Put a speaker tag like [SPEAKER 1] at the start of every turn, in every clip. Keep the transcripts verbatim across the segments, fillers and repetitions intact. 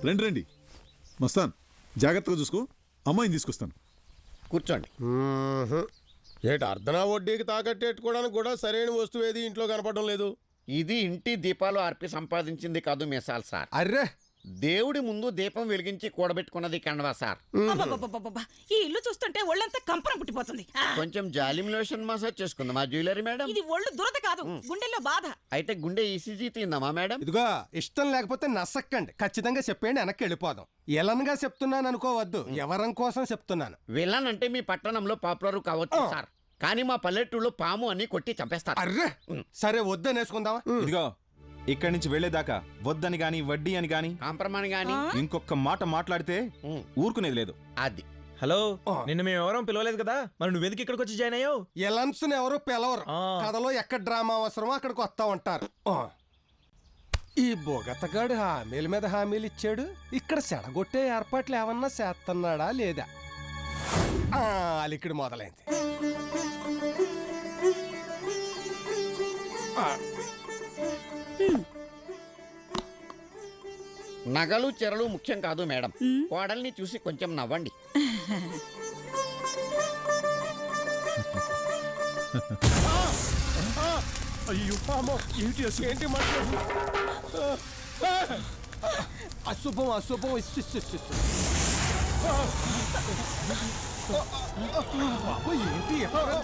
[SPEAKER 1] రండి రండి మస్తాన్, జాగ్రత్తగా చూసుకో. అమ్మాయిని తీసుకొస్తాను.
[SPEAKER 2] కూర్చోండి.
[SPEAKER 3] ఏటి అర్ధనా వడ్డీకి తాకట్టేట్టుకోవడానికి కూడా సరైన వస్తువు ఏది ఇంట్లో కనపడడం లేదు.
[SPEAKER 2] ఇది ఇంటి దీపాలు ఆర్పి సంపాదించింది కాదు మిసాల్ సార్.
[SPEAKER 3] అర్రే,
[SPEAKER 2] దేవుడి ముందు దీపం వెలిగించి కూడబెట్టుకున్నది కండవా సార్.
[SPEAKER 4] అబ్బబ్బబ్బబ్బబ్బా, ఈ ఇల్లు చూస్తుంటే ఒళ్ళంతా కంపరం పుట్టిపోతుంది. ఆ,
[SPEAKER 2] కొంచెం జాలిం లోషన్ మసాజ్ చేసుకుందాం మా జ్యువెలరీ మేడం.
[SPEAKER 4] ఇది ఒళ్ళు దురద కాదు, గుండెల్లో బాధ.
[SPEAKER 2] అయితే గుండె ఈసీజీ తిందామా మేడం?
[SPEAKER 5] ఇదిగో ఇష్టం లేకపోతే నసక్కండి, ఖచ్చితంగా చెప్పేయండి, వెనక్కి వెళ్ళిపోదాం. ఎలన్గా చెప్తున్నాను అనుకోవద్దు, ఎవరం కోసం చెప్తున్నాను.
[SPEAKER 2] విలన్ అంటే మీ పట్టణంలో పాపులర్ కావచ్చు సార్, కానీ మా పల్లెటూరులో పాము అని కొట్టి చంపేస్తారు.
[SPEAKER 5] అర్రే, సరే వద్దని వేసుకుందామా?
[SPEAKER 6] ఇదిగో ఇక్కడి నుంచి వెళ్లేదాకా వద్దని గాని వడ్డీ అని గాని
[SPEAKER 2] కాంప్రమాణ్ గాని
[SPEAKER 6] ఇంకొక మాట మాట్లాడితే ఊరుకునేది లేదు.
[SPEAKER 2] అది
[SPEAKER 7] హలో, నిన్ను మేము ఎవరో పిలవలేదు కదా, మరి నువ్వెందుకు ఇక్కడికి వచ్చి జాయిన్ అయ్యావు?
[SPEAKER 5] ఎలన్స్ ఎవరు పిలవరు, కథలో ఎక్కడ డ్రామా అవసరమో అక్కడికి వస్తా ఉంటారు. ఈ బొగతగాడు హామీల మీద హామీలు ఇచ్చాడు, ఇక్కడ సెడగొట్టే ఏర్పాట్లు ఏమన్నా చేస్తున్నాడా లేదా? అలికిడి మొదలైంది.
[SPEAKER 2] నగలు చెరలు ముఖ్యం కాదు మేడం, కోడల్ని చూసి కొంచెం నవ్వండి.
[SPEAKER 3] అయ్యో ఏంటి ఏంటి మాట్లాడు?
[SPEAKER 5] అశుభం అశుభం. ఏంటి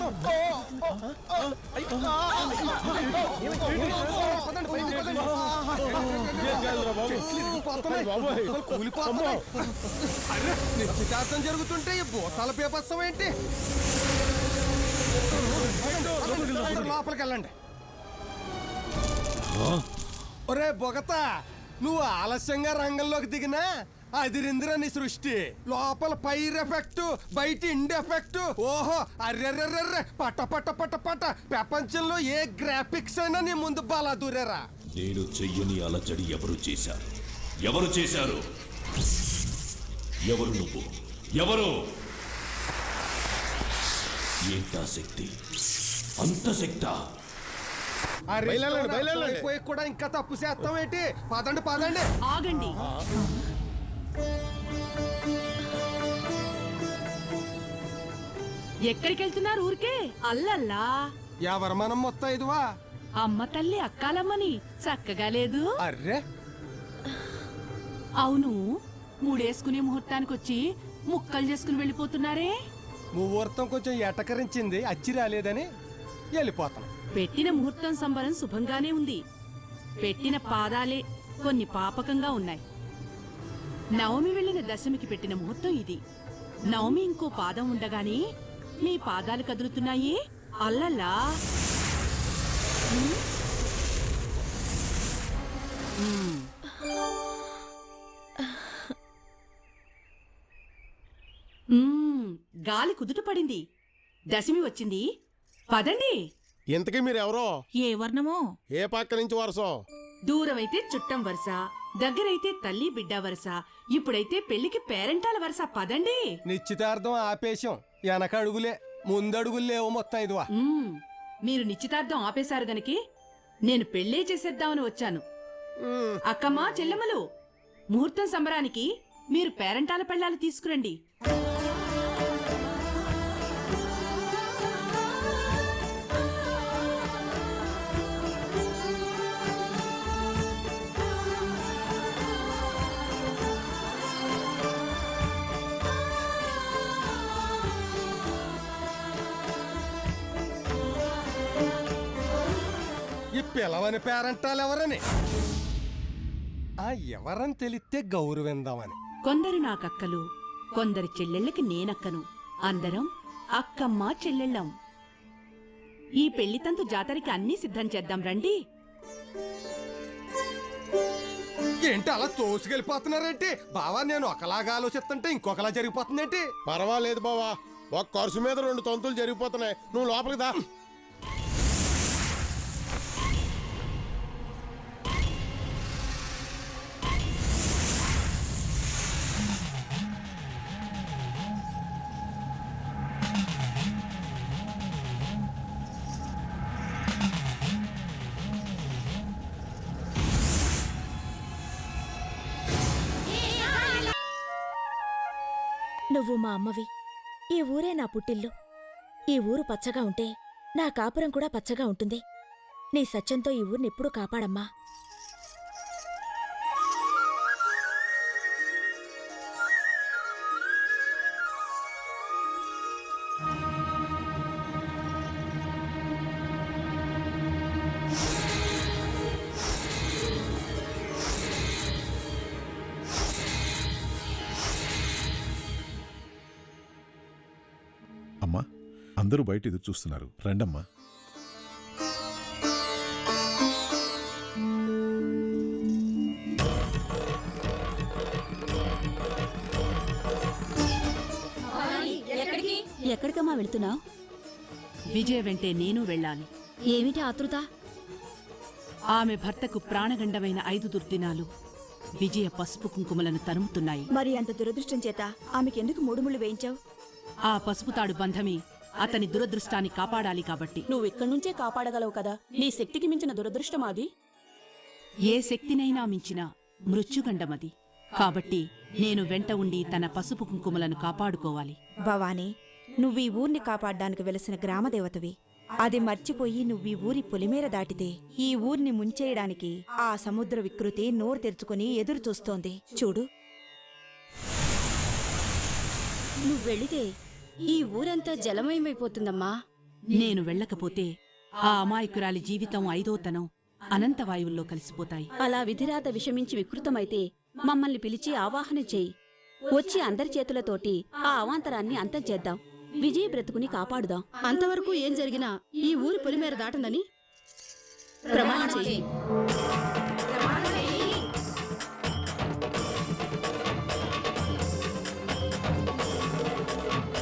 [SPEAKER 5] నిశ్చితార్థం జరుగుతుంటే ఈ భూతాల పేపస్సం ఏంటి? లోపలికి వెళ్ళండి. ఒరే బొగతా, నువ్వు ఆలస్యంగా రంగంలోకి దిగినా అదిరిందిరా నీ సృష్టి. లోపల పైర్ ఎఫెక్ట్, బయట ఇండ్ ఎఫెక్ట్. ఓహో, అర్రెర్రెర్రె, పట్ట పట్ట పట్ట పట్ట. ప్రపంచంలో ఏ గ్రాఫిక్స్ అయినా నీ ముందు బాలా దూరేరా.
[SPEAKER 8] నేను చెయ్యని అలజడి ఎవరు చేశారు? ఎవరు చేశారు? ఎవరు నువ్వు? ఎవరు? ఏంటా శక్తి? అంత శక్తా?
[SPEAKER 5] అయిపోయి కూడా ఇంకా తప్పు చేస్తాం ఏంటి? పదండి పదండి.
[SPEAKER 4] ఆగండి. ఎక్కడికి వెళ్తున్నారు? ఊరికే అల్లల్లా.
[SPEAKER 5] ఎవరు మనం మొత్తం ఇదివా?
[SPEAKER 4] అమ్మ తల్లి అక్కాలమ్మని చక్కగా లేదు.
[SPEAKER 5] అర్రే,
[SPEAKER 4] అవును, మూడేసుకునే ముహూర్తానికి వచ్చి ముక్కలు చేసుకుని వెళ్ళిపోతున్నారే.
[SPEAKER 5] ముహూర్తం కొంచెం ఎటకరించింది, అచ్చి రాలేదని వెళ్ళిపోతాం.
[SPEAKER 4] పెట్టిన ముహూర్తం సంబరం శుభంగానే ఉంది, పెట్టిన పాదాలే కొన్ని పాపకంగా ఉన్నాయి. నవమి వెళ్ళిన దశమికి పెట్టిన ముహూర్తం ఇది. నవమి ఇంకో పాదం ఉండగానే మీ పాదాలు కదులుతున్నాయి. అల్లల్లా. గాలి కుదుట పడింది, దశమి వచ్చింది, పదండి.
[SPEAKER 3] ఇంతకీ మీరెవరో?
[SPEAKER 4] ఏ వర్ణమో?
[SPEAKER 3] ఏ పక్క నుంచి వరసో?
[SPEAKER 4] దూరమైతే చుట్టం వరుస, దగ్గరైతే తల్లి బిడ్డ వరుస, ఇప్పుడైతే పెళ్లికి పేరెంటాల వరుస. పదండి.
[SPEAKER 5] నిశ్చితార్థం ఆపేశం, వెనక అడుగులే, ముందడుగులు లేవు మొత్తం ఇదివా.
[SPEAKER 4] మీరు నిశ్చితార్థం ఆపేశారు గనికి నేను పెళ్లే చేసేద్దామని వచ్చాను. అక్కమ్మా చెల్లెమ్మలు, ముహూర్తం సంబరానికి మీరు పేరెంటాల పెళ్ళాలు తీసుకురండి.
[SPEAKER 5] ఈ పిలవని పేరంటాలు ఎవరని? ఆ ఎవరని తెలిస్తే గౌరవిందామని.
[SPEAKER 4] కొందరు నాకక్కలు, కొందరు చెల్లెళ్ళకి నేనక్కను, అందరం అక్కమ్మ చెల్లెళ్ళం. ఈ పెళ్లితంతు జాతరకి అన్నీ సిద్ధం చేద్దాం రండి.
[SPEAKER 5] ఏంటి అలా తోసుకెళ్ళిపోతున్నారేంటి బావా? నేను ఒకలాగా ఆలోచిస్తుంటే ఇంకొకలా జరిగిపోతుందేంటి?
[SPEAKER 3] పర్వాలేదు బావా, ఒక ఖర్చు మీద రెండు తంతులు జరిగిపోతున్నాయి. నువ్వు లోపలికి దా.
[SPEAKER 9] నువ్వు మా అమ్మవి. ఈ ఊరే నా పుట్టిల్లు. ఈ ఊరు పచ్చగా ఉంటే నా కాపురం కూడా పచ్చగా ఉంటుంది. నీ సత్యంతో ఈ ఊరినెప్పుడూ కాపాడమ్మా.
[SPEAKER 1] అమ్మా, అందరూ బయట ఎదురు చూస్తున్నారు, రండమ్మా.
[SPEAKER 9] ఎక్కడికమ్మా వెళ్తున్నావు?
[SPEAKER 4] విజయ వెంటే నేను వెళ్ళాలి.
[SPEAKER 9] ఏమిటి ఆతృత?
[SPEAKER 4] ఆమె భర్తకు ప్రాణగండమైన ఐదు దుర్దినాలు విజయ పసుపు కుంకుమలను తరుముతున్నాయి.
[SPEAKER 9] మరి అంత దురదృష్టం చేత ఆమెకెందుకు మూడు ముళ్ళు వేయించావు?
[SPEAKER 4] ఆ పసుపుతాడు బంధమి అతని దురదృష్టాన్ని కాపాడాలి కాబట్టి.
[SPEAKER 9] నువ్విక్కడి నుంచే కాపాడగలవు కదా. నీ శక్తికి మించిన దురదృష్టం అది.
[SPEAKER 4] ఏ శక్తినైనా మించిన మృత్యుగండమది. కాబట్టి నేను వెంట ఉండి తన పసుపు కుంకుమలను కాపాడుకోవాలి.
[SPEAKER 9] భవానీ, నువ్వీ ఊర్ని కాపాడ్డానికి వెలసిన గ్రామదేవతవి. అది మర్చిపోయి నువ్వీ ఊరి పొలిమేర దాటితే ఈ ఊర్ని ముంచేయడానికి ఆ సముద్ర వికృతి నోరు తెరుచుకుని ఎదురు చూస్తోంది. చూడు, నువ్వెళితే ఈ ఊరంతా జలమయమైపోతుందమ్మా.
[SPEAKER 4] నేను వెళ్ళకపోతే ఆ అమాయకురాలి జీవితం ఐదోతనం అనంతవాయువుల్లో కలిసిపోతాయి.
[SPEAKER 9] అలా విధిరాత విషమించి వికృతమైతే మమ్మల్ని పిలిచి ఆవాహన చేయి. వచ్చి అందరి చేతులతోటి ఆ అవాంతరాన్ని అంతం చేద్దాం. విజయ బ్రతుకుని కాపాడుదాం. అంతవరకు ఏం జరిగినా ఈ ఊరి పొలిమేర దాటనని ప్రమాణం చేయి.